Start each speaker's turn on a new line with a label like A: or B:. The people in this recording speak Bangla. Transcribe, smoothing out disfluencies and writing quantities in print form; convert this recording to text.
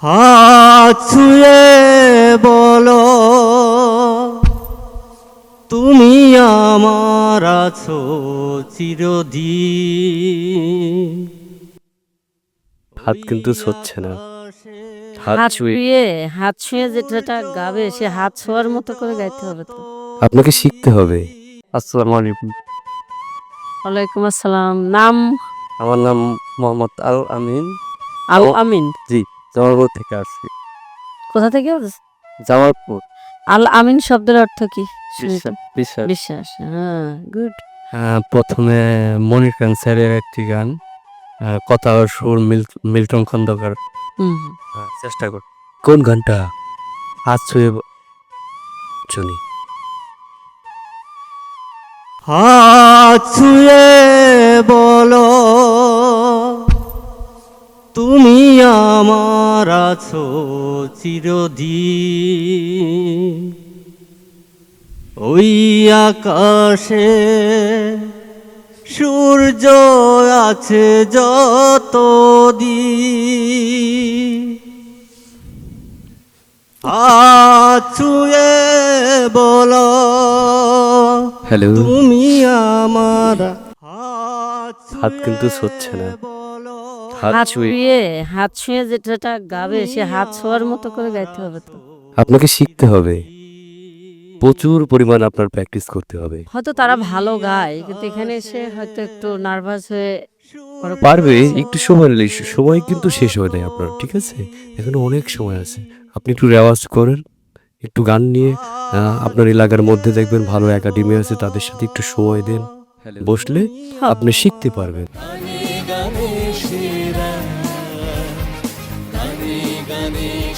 A: হাত ছুঁয়ে বলো তুমি আমার আছো চিরদিন।
B: হাত কিন্তু ছুঁচ্ছে না, হাত
C: হাত
B: ছুঁয়ে
C: ছুঁয়ে হাত ছুঁয়ে যেটা গাবে সে হাত ছোঁয়ার মতো করে গাইতে হবে তো।
B: আপনাকে শিখতে হবে। আসসালামু আলাইকুম,
C: ওয়ালাইকুম আসসালাম। নাম?
B: আমার নাম মোহাম্মদ আল আমিন।
C: আল আমিন।
B: জি, জামালপুর থেকে আসছি।
C: কোথা থেকে?
B: জামালপুর।
C: আল আমিন শব্দের অর্থ কি? শুনি তো।
B: বিশ্বাস।
C: বিশ্বাস। হ্যাঁ, গুড।
B: প্রথমে মনির খান স্যারের একটি গান, কথা ও সুর মিল্টন খন্দকার।
C: হুম।
B: চেষ্টা কর। কোন গানটা? হাত ছুঁয়ে শুনি।
A: হাত ছুঁয়ে বলো তুমি আমার আছো চিরদিন। ওই আকাশে সূর্য আছে যতদিন, হাত ছুঁয়ে বলো
B: হ্যালো।
A: তুমি আমার।
B: হাত কিন্তু ছুঁচ্ছে না,
A: বলো
B: হাত
C: হাত
B: ছুঁয়ে।
C: হাত ছুঁয়ে যেটা গাবে সে হাত ছোঁয়ার মতো করে গাইতে হবে তো।
B: আপনাকে শিখতে হবে, প্রচুর পরিমাণ আপনার প্র্যাকটিস করতে হবে।
C: হয়তো তারা ভালো গায় কিন্তু এখানে এসে হয়তো একটু নার্ভাস হয়ে
B: পারবে, একটু সময় নিলে। সময় কিন্তু শেষ হয় নাই আপনার, ঠিক আছে? এখনো অনেক সময় আছে। আপনি একটু রেওয়াজ করেন, একটু গান নিয়ে আপনার এলাকার মধ্যে দেখবেন ভালো একাডেমি আছে, তাদের সাথে একটু সময় দেন, বসলে আপনি শিখতে পারবেন।
A: গানে গানে সেরা, গানে গানে